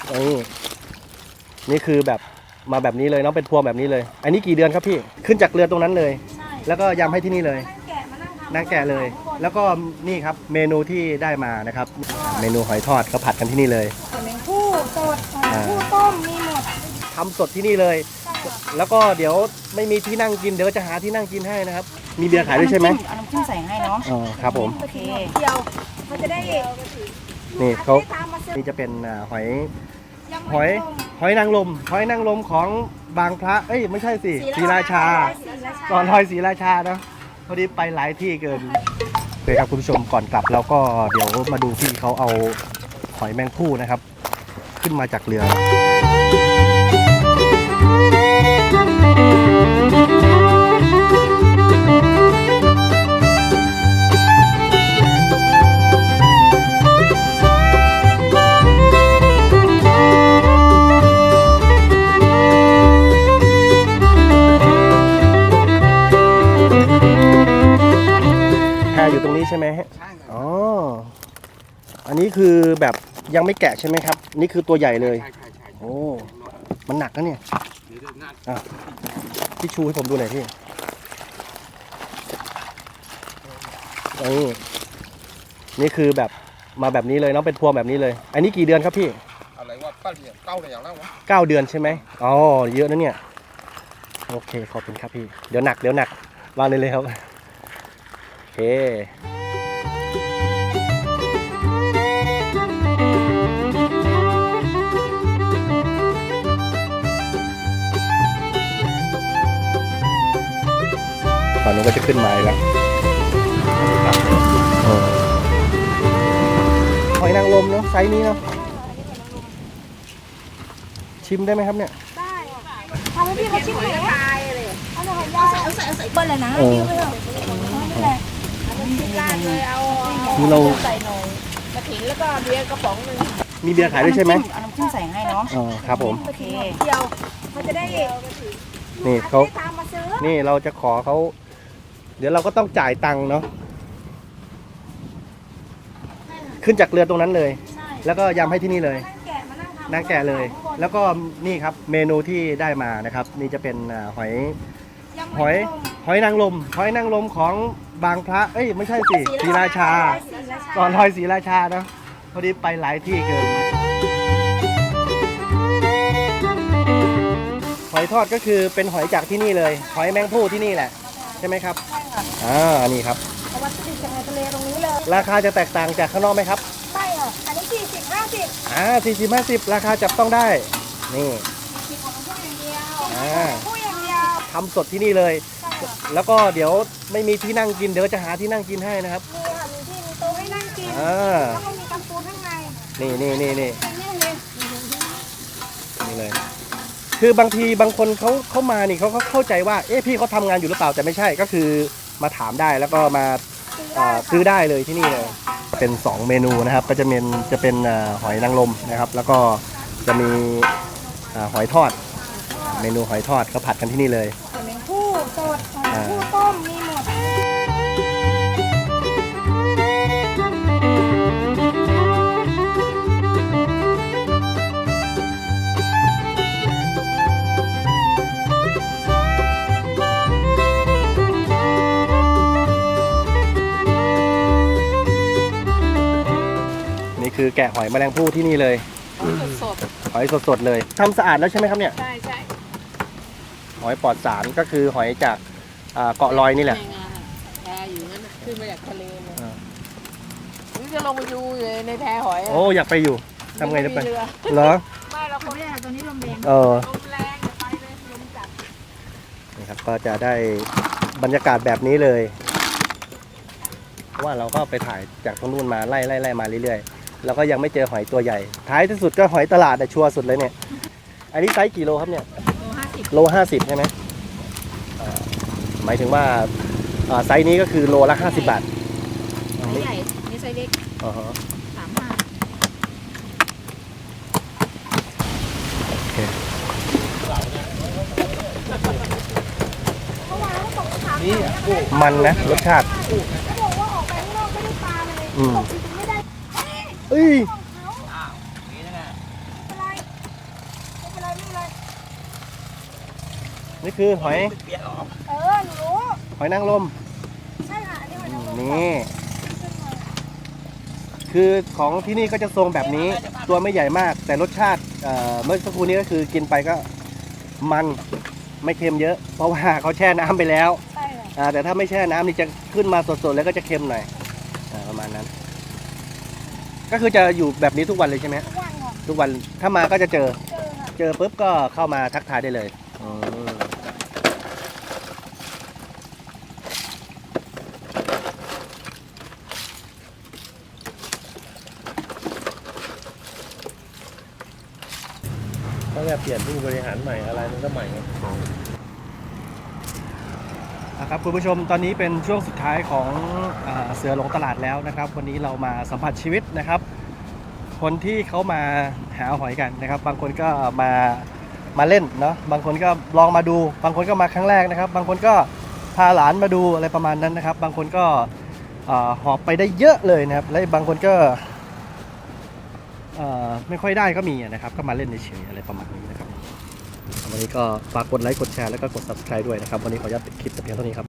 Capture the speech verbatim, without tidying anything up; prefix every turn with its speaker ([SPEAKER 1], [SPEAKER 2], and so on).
[SPEAKER 1] นี่นี่คือแบบมาแบบนี้เลยเนาะเป็นพวงแบบนี้เลย อันนี้กี่เดือนครับพี่ขึ้นจากเรือตรงนั้นเลยแล้วก็ยำให้ที่นี่เลยนั่งแกะเลยแล้วก็นี่ครับเมนูที่ได้มานะครับเมนูหอยทอดก็ผัดกันที่นี่เลย
[SPEAKER 2] หอยแมงภู่สดหอยภู่ต้มมีหมด
[SPEAKER 1] ทำสดที่นี่เลยแล้วก็เดี๋ยวไม่มีที่นั่งกินเดี๋ยวจะหาที่นั่งกินให้นะครับมีเบียร์ขายด้วยใช่ไหม
[SPEAKER 2] เอาน้ำจิ้มใส่ให้เนาะ
[SPEAKER 1] อ๋อครับผม
[SPEAKER 2] โอเคเดียวมันจะได้
[SPEAKER 1] นี่เขานี่จะเป็นหอยหอยหอยนางรมหอยนางรมของบางพระเอ้ยไม่ใช่สิศรีราชาก่อนลอยศรีราชาเนาะพอดีไปหลายที่เกินโอเคครับคุณผู้ชมก่อนกลับแล้วก็เดี๋ยวมาดูพี่เขาเอาหอยแมงภู่นะครับขึ้นมาจากเรืออยู่ตรงนี้ใช่ไหมฮะอ๋ออันนี้คือแบบยังไม่แกะใช่ไหมครับนี่คือตัวใหญ่เลยโอ้มันหนักนะเนี่ยอ่ะพี่ชูให้ผมดูหน่อยพี่นี่นี่คือแบบมาแบบนี้เลยเนาะเป็นพวงแบบนี้เลย อันนี้กี่เดือนครับพี่
[SPEAKER 3] อะไรว่าเก้าเดือนเก้าเดือนแล้ววะ
[SPEAKER 1] เก้าเดือนใช่ไหมอ๋อเยอะนะเนี่ยโอเคขอบคุณครับพี่เดี๋ยวหนักเดี๋ยวหนักวางเลยเลยครับโอเคตอนนี้ก็จะขึ้นมาแล้วหอยนางรมเนาะไซส์นี้เนาะชิมได้ไหมครับเนี่ย
[SPEAKER 2] ได้ทำให้พี่เขาชิมหน่อยนะเอาหน่อยยาเอาใส่เอาใส่เบิ้ลเลยนะพี่เบิ้ลนี่แหละราดเลยเอา
[SPEAKER 1] คือเรา
[SPEAKER 2] ใส่หน่อยกระถิ่นแล้วก็เบียร์กระป๋องนึง
[SPEAKER 1] มีเบียร์ขายด้วยใช่ไหม
[SPEAKER 2] เอาน้ำจิ้มใส่ให้เนาะ
[SPEAKER 1] อ๋อครับผม
[SPEAKER 2] โอเคเดียวเขาจะได้
[SPEAKER 1] นี่เขานี่เราจะขอเขาเดี๋ยวเราก็ต้องจ่ายตังค์เนาะขึ้นจากเรือตรงนั้นเลยแล้วก็ยำให้ที่นี่เลยนั่งแกะเลยแล้วก็นี่ครับเมนูที่ได้มานะครับนี่จะเป็นหอยหอยหอยนางรมหอยนางรมของบางพระเอ้ยไม่ใช่สิศรีราชาก่อนลอยศรีราชาเนาะพอดีไปหลายที่เกินหอยทอดก็คือเป็นหอยจากที่นี่เลยหอยแมงภู่ที่นี่แหละใช่ไหมครับอ่านี่ครับ
[SPEAKER 2] วัตถุดิบจากในทะเลตรงนี้เลย
[SPEAKER 1] ราคาจะแตกต่างจากข้างนอกไหมครับ
[SPEAKER 2] ใช่ค่ะอันนี้สี่สิบห้าสิบ
[SPEAKER 1] อ่าสี่สิบห้าสิบราคาจับต้องได้นี่
[SPEAKER 2] อ่าผู้อย่างเดียว
[SPEAKER 1] ทำสดที่นี่เลยแล้วก็เดี๋ยวไม่มีที่นั่งกินเดี๋ยวจะหาที่นั่งกินให้นะครับ
[SPEAKER 2] มีค่ะมีที่มีโต๊ะให้นั่งกิน
[SPEAKER 1] อ่า
[SPEAKER 2] แล้วก็มีกำปูข้างใน
[SPEAKER 1] นี่นี่นี่นี่นี่เลยคือบางทีบางคนเขาเขามานี่เขาเขาเข้าใจว่าเอ๊ะพี่เขาทำงานอยู่หรือเปล่าแต่ไม่ใช่ก็คือมาถามได้แล้วก็มาซื้อได้เลยที่นี่เลยเป็นสองเมนูนะครับก็จะเป็นจะเป็นหอยนางรมนะครับแล้วก็จะมีหอยทอดเมนูหอยทอดก็ผัดกันที่นี่เลย
[SPEAKER 2] หอยแมงภู่สดหอยภู่ต้มมีหมด
[SPEAKER 1] คือแกะหอยแมลงภู่ที่นี่เลย
[SPEAKER 2] สด
[SPEAKER 1] หอยสดๆเลยทำสะอาดแล้วใช่ไหมครับเนี่ย
[SPEAKER 2] ใช่ใช่
[SPEAKER 1] หอยปลอดสารก็คือหอยจากเกาะลอยนี่แหละ
[SPEAKER 2] แพอยู่นั่นขึ้นมาจากทะเลเลยนี่จะลงไปดูเลยในแพหอย
[SPEAKER 1] โอ้อยากไปอยู่ทำไงจะไปเหรอ
[SPEAKER 2] ไม่เราคนนี้ตัวนี้ลมแรง
[SPEAKER 1] เออ
[SPEAKER 2] ลมแรงไปเลยลมจัด
[SPEAKER 1] นี่ครับก็จะได้บรรยากาศแบบนี้เลยเพราะว่าเราก็ไปถ่ายจากตรงนู้นมาไล่ไล่ไล่มาเรื่อยๆแล้วก็ยังไม่เจอหอยตัวใหญ่ท้ายที่สุดก็หอยตลาดแต่ชัวร์สุดเลยเนี่ยอันนี้ไซส์กี่โลครับเนี่ยโลห้าสิบใช่ไหมหมายถึงว่าไซส์นี้ก็คือโลละห้าสิบบาท
[SPEAKER 2] ไซส์ใหญ่นี่ไซส์เล็ก
[SPEAKER 1] อ๋อ
[SPEAKER 2] สามห้า
[SPEAKER 1] มันนะรสชาติอืมเอ้ย
[SPEAKER 2] เลย
[SPEAKER 1] นี่คือหอย
[SPEAKER 2] เออหนูรู้
[SPEAKER 1] หอยนางรม
[SPEAKER 2] ใช่ค่ะอันนี้มันจะ
[SPEAKER 1] นี่ คือของที่นี่ก็จะทรงแบบนี้ ตัวไม่ใหญ่มาก แต่รสชาติเอ่อเมื่อสักครู่นี้ก็คือกินไปก็มันไม่เค็มเยอะ เพราะว่าเขาแช่น้ำไปแล้ว
[SPEAKER 2] ใช่ค่ะ
[SPEAKER 1] อ่าแต่ถ้าไม่แช่น้ำนี่จะขึ้นมาสดๆแล้วก็จะเค็มหน่อยอ่าประมาณนั้น ก็คือจะอยู่แบบนี้ทุกวันเลยใช่ไหม
[SPEAKER 2] ทุกวันค่ะ
[SPEAKER 1] ทุกวันถ้ามาก็จะเจอ
[SPEAKER 2] เจอค่ะ
[SPEAKER 1] เจอปุ๊บก็เข้ามาทักทายได้เลยอืมเขาจะเปลี่ยนผู้บริหารใหม่อะไรมันก็ใหม่ครับคุณผู้ชมตอนนี้เป็นช่วงสุดท้ายของอ่าเสือหลงตลาดแล้วนะครับ วันนี้เรามาสัมผัสชีวิตนะครับ คนที่เขามาหาหอยกันนะครับ บางคนก็มามาเล่นเนาะบางคนก็ลองมาดู บางคนก็มาครั้งแรกนะครับ บางคนก็พาหลานมาดูอะไรประมาณนั้นนะครับ บางคนก็อ่าหอบไปได้เยอะเลยนะครับ และบางคนก็เอ่อไม่ค่อยได้ก็มีนะครับ ก็มาเล่นเฉยๆอะไรประมาณนี้นะครับวันนี้ก็ฝากกดไลค์กดแชร์แล้วก็กด ซับสไครบ์ ด้วยนะครับวันนี้ขออนุญาตปิดคลิปแต่เพียงเท่านี้ครับ